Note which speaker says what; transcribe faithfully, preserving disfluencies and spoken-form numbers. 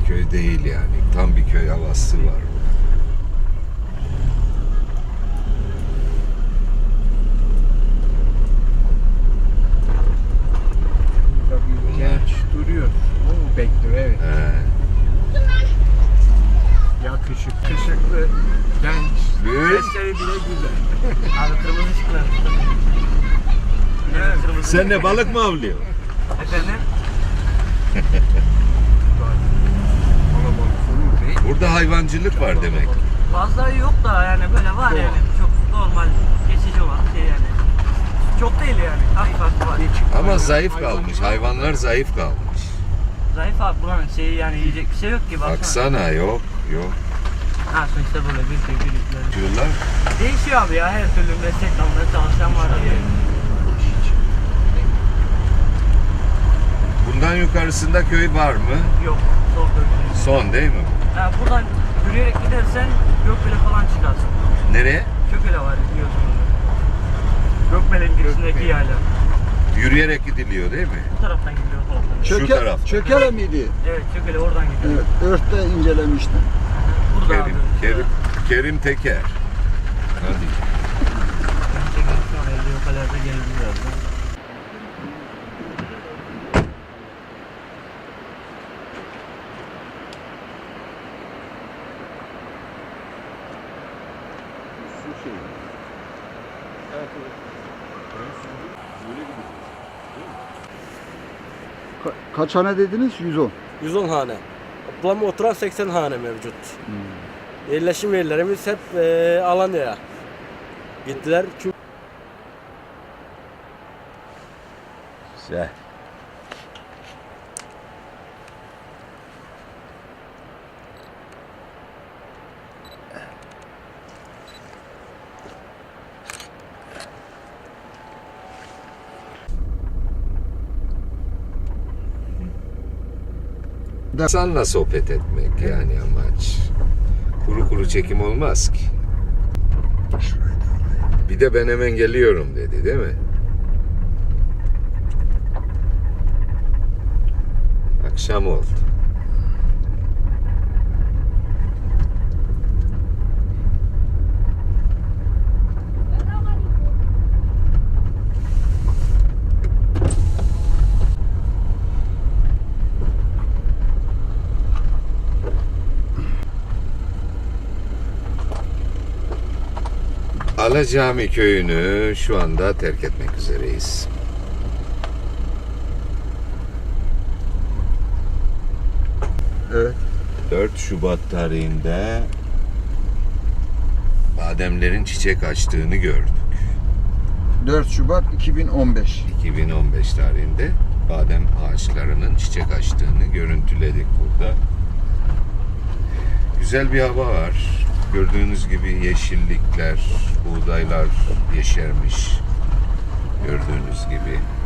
Speaker 1: köy değil yani. Tam bir köy havası var.
Speaker 2: Burada bir genç duruyor. O bekliyor, evet.
Speaker 1: He.
Speaker 2: Yakışıklı, genç.
Speaker 1: Evet.
Speaker 2: Sesleri bile güzel.
Speaker 3: Abi kırmızı ışıklar. Evet, kırmızı.
Speaker 1: Sen ne balık mı avlıyorsun?
Speaker 3: Efendim?
Speaker 1: Burada hayvancılık var demek.
Speaker 3: Fazla yok da yani böyle var yani çok normal geçici olan şey yani. Çok değil yani. Hafif hafif var.
Speaker 1: Ama zayıf kalmış. Hayvanlar zayıf kalmış.
Speaker 3: Zayıf abi buranın şeyi yani yiyecek bir şey yok ki baksana.
Speaker 1: Baksana yok yok.
Speaker 3: Ha sonuçta böyle bir şey birlikleri.
Speaker 1: Diyorlar.
Speaker 3: Değişiyor abi ya her türlü meslek dalında çalışan var abi.
Speaker 1: Bundan yukarısında köy var mı?
Speaker 3: Yok. Sol köprü.
Speaker 1: Son değil mi?
Speaker 3: Ha, buradan yürüyerek gidersen Gökbele falan çıkarsın.
Speaker 1: Nereye?
Speaker 3: Gökbele var biliyorsunuz. Gökbele'nin girişindeki yayla.
Speaker 1: Yürüyerek gidiliyor değil mi?
Speaker 3: Bu taraftan gidiyor o taraftan.
Speaker 1: Şu
Speaker 4: Çöke,
Speaker 1: tarafta.
Speaker 4: Çökele miydi?
Speaker 3: Evet Gökbele oradan gidiyor.
Speaker 4: Evet. Ört'te incelemiştim.
Speaker 3: Burada
Speaker 1: Kerim,
Speaker 3: abi.
Speaker 1: Kerim, Kerim Teker. Hadi.
Speaker 3: Şu an elde o kadar da gelir birazdan.
Speaker 4: Su şeyi. Ka kaç hane dediniz? yüz on.
Speaker 5: yüz on hane. Toplam oturan seksen hane mevcut. Yerleşim yerlerimiz hep e, Alanya'ya gittiler. Çünkü
Speaker 1: Güzel. İnsanla sohbet etmek yani amaç. Kuru kuru çekim olmaz ki. Bir de ben hemen geliyorum dedi değil mi? Akşam oldu. Alacami köyünü şu anda terk etmek üzereyiz.
Speaker 4: Evet.
Speaker 1: dört Şubat tarihinde bademlerin çiçek açtığını gördük.
Speaker 4: dört Şubat iki bin on beş.
Speaker 1: iki bin on beş tarihinde badem ağaçlarının çiçek açtığını görüntüledik burada. Güzel bir hava var. Gördüğünüz gibi yeşillikler, buğdaylar yeşermiş. Gördüğünüz gibi.